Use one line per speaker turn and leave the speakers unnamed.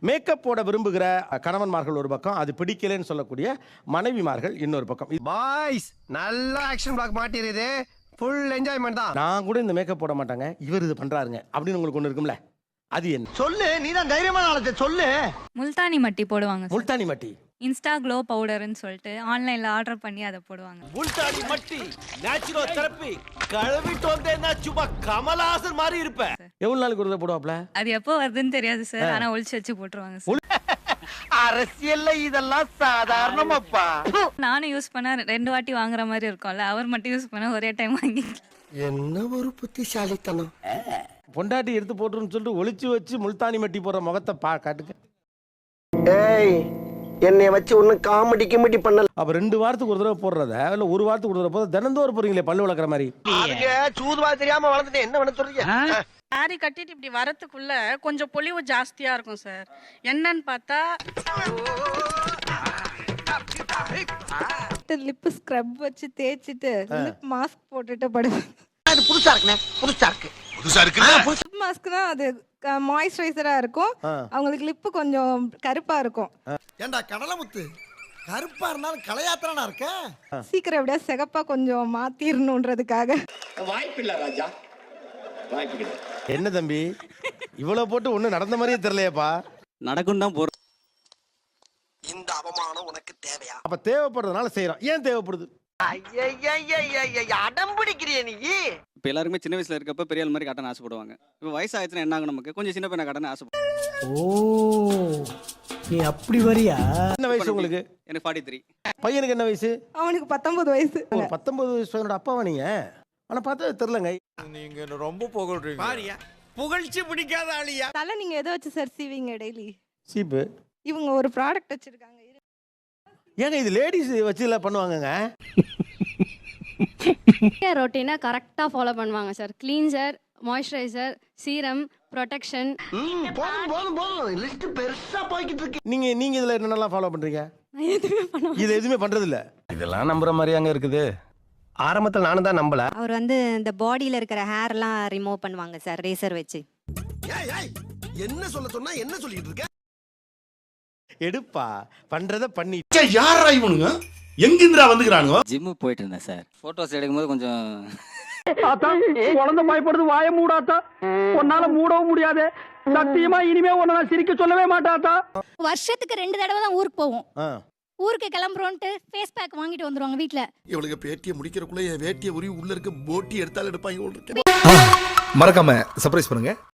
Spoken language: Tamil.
மேக்கப் போட விரும்புகிற கணவன்மார்கள் ஒரு பக்கம், அது பிடிக்கலன்னு சொல்லக்கூடிய மனைவிமார்கள் இன்னொரு பக்கம்.
பாய்ஸ் நல்ல ஆக்ஷன் பிளாக் மாட்டிருது, ஃபுல் என்ஜாய்மெண்ட் தான்.
நான் கூட இந்த மேக்கப் போட மாட்டாங்க, இவர் இது பண்றாருங்க அப்படின்னு உங்களுக்கு ஒண்ணு இருக்கும்ல, அது என்ன?
சொல்லு, நீதான் தைரியமான ஆளு, சொல்லு.
முல்தானி மட்டி போடுவாங்க.
முல்தானி மட்டி,
இன்ஸ்டா க்ளோ பவுடர்னு சொல்லிட்டு ஆன்லைன்ல ஆர்டர் பண்ணி அதை போடுவாங்க.
முல்தானி மட்டி நேச்சுரல் தெரப்பி கழுவிட்டு வந்தேன்னா சும்மா கமலஹாசன் மாதிரி இருப்ப.
எவ்வளவு நாளுக்கு ஒரு தடவை போடுவாப்ல?
அது எப்போ வருதுன்னு தெரியாது சார், ஆனா ஒளிச்சு வச்சு போட்டுருவாங்க சார்.
அரசியல்ல இதெல்லாம் சாதாரணமாப்பா.
நானும் யூஸ் பண்ண 2 வாட்டி வாங்குற மாதிரி இருக்கும்ல, அவர் மட்டும் யூஸ் பண்ண ஒரே டைம் வாங்கி.
என்ன ஒரு புத்திசாலித்தனம்.
பொண்டாட்டி எடுத்து போட்டுருன்னு சொல்லிட்டு ஒளிச்சு வச்சு முல்தானி மட்டி போடுற முகத்தை காட்டுங்க.
ஏய், என்னைய வச்சு ஒன்னும் காமெடி கிமெடி பண்ணல.
அப்ப 2 வாரத்துக்கு ஒரு தடவை போடுறத இல்ல 1 வாரத்துக்கு ஒரு தடவை போதும் தினந்தோறும் போறீங்களே பல்லு வளர்க்குற மாதிரி.
சூதுவா தெரியாம வளர்ந்துட்டேன், என்ன பண்ண சொல்றீங்க?
சாரி கட்டிட்டு இப்படி வரத்துக்குள்ள கொஞ்சம் பொலிவு ஜாஸ்தியா இருக்கும் சார். என்னன்னு பார்த்தா
லிப் ஸ்க்ரப் வச்சு தேய்ச்சிட்டு லிப் மாஸ்க் போட்டுட்டு படுவேன்.
அது புதுசா இருக்குனே, புதுசா இருக்கு.
லிப் மாஸ்க்னா அது மாய்ஸ்சரைசரா இருக்கும், அவங்களுக்கு லிப் கொஞ்சம் கருப்பா இருக்கும்.
ஏண்டா கடலமுத்து, கருப்பா இருந்தாலும் கலையாத்திரனா இருக்க.
சீக்கிரம் எப்படியா சிகப்பா கொஞ்சம் மாத்திரணுன்றதுக்காக.
வாய்ப்பில்லை ராஜா, வாய்ப்பில்லை.
என்ன தம்பி இவ்வளவு போட்டு ஒண்ணு நடந்த மாதிரியே தெரியலையேப்பா.
நடக்கும் தான் போற.
இந்த அவமானம் உனக்கு தேவையா?
அப்ப தேவைப்படுறதுனால செய்யறோம். ஏன் தேவைப்படுது?
அடம் பிடிக்கிறிய நீ.
இப்போ எல்லாருமே சின்ன வயசுல இருக்கப்ப பெரிய ஆள் மாதிரி காட்டணும் ஆசைப்படுவாங்க. இப்போ வயசாயிடுச்சுன்னா என்ன ஆகும், நமக்கு கொஞ்சம் சின்ன பையனை காட்டணும் ஆசைப்படுவாங்க.
ஓ, நீ அப்படி வரியா?
என்ன வயசு உங்களுக்கு?
எனக்கு 43.
பையனுக்கு என்ன வயசு?
அவனுக்கு 19 வயசு.
ஒரு 19 வயசு பையனோட அப்பாவா நீங்க? ஆனா பார்த்தா தெரியலங்க.
நீங்க ரொம்ப புகழ்றீங்க. பாரியா, புகழ்ச்சி பிடிக்காத ஆளியா?
தலை நீங்க எதை வச்சு சார் சீவிங்க டெய்லி?
சீப்பு.
இவங்க ஒரு ப்ராடக்ட் வச்சிருக்காங்க.
ஏங்க இது லேடிஸ் வச்சு எல்லாம் பண்ணுவாங்கங்க.
ரொட்டீனை கரெக்டாக ஃபாலோ பண்ணுவாங்க sir. Cleanser, moisturiser, serum, protection.
போதும் லிஸ்ட் பெருசா போய்கிட்டு இருக்கு.
நீங்க இதுல என்னென்னலாம் ஃபாலோ பண்றீங்க?
எதுவுமே பண்ண
இது எதுவுமே பண்றது இல்ல. இதெல்லாம் நம்புற மாதிரியாங்க இருக்குது?
ஆரம்பத்துல நானும் தான் நம்பல.
அவர் இந்த பாடியில இருக்கிற ஹேர்லாம் ரிமூவ் பண்ணுவாங்க சார் ரேசர் வச்சு.
என்ன சொல்ல சொன்னா என்ன சொல்லிட்டு இருக்க?
எடுப்பா பண்றத பண்ணி.
யாரா இவனுங்க? எங்கிந்திரா வந்துக்கிறானுங்க?
ஜிம்மு போயிட்டு இருந்தேன் சார். போட்டோஸ் எடுக்கும்போது கொஞ்சம்
குழந்தை பயப்படுது, வாய மூடாத்தா. உன்னால மூடவும் முடியாது. சத்தியமா இனிமே உன்னை நான் சிரிக்க சொல்லவே மாட்டாத்தா.
வருஷத்துக்கு 2 தடவை தான் ஊருக்கு போவோம். ஊருக்கு கிளம்புறோன்ட்டு ஃபேஸ் பேக் வாங்கிட்டு வந்துருவாங்க வீட்டில்.
இவளுக்கு பேட்டியை முடிக்கிறக்குள்ள என் வேட்டியை உரி உள்ள இருக்க போட்டி எடுத்தாலும் எடுப்பாங்க.
மறக்காம சர்ப்ரைஸ் பண்ணுங்க.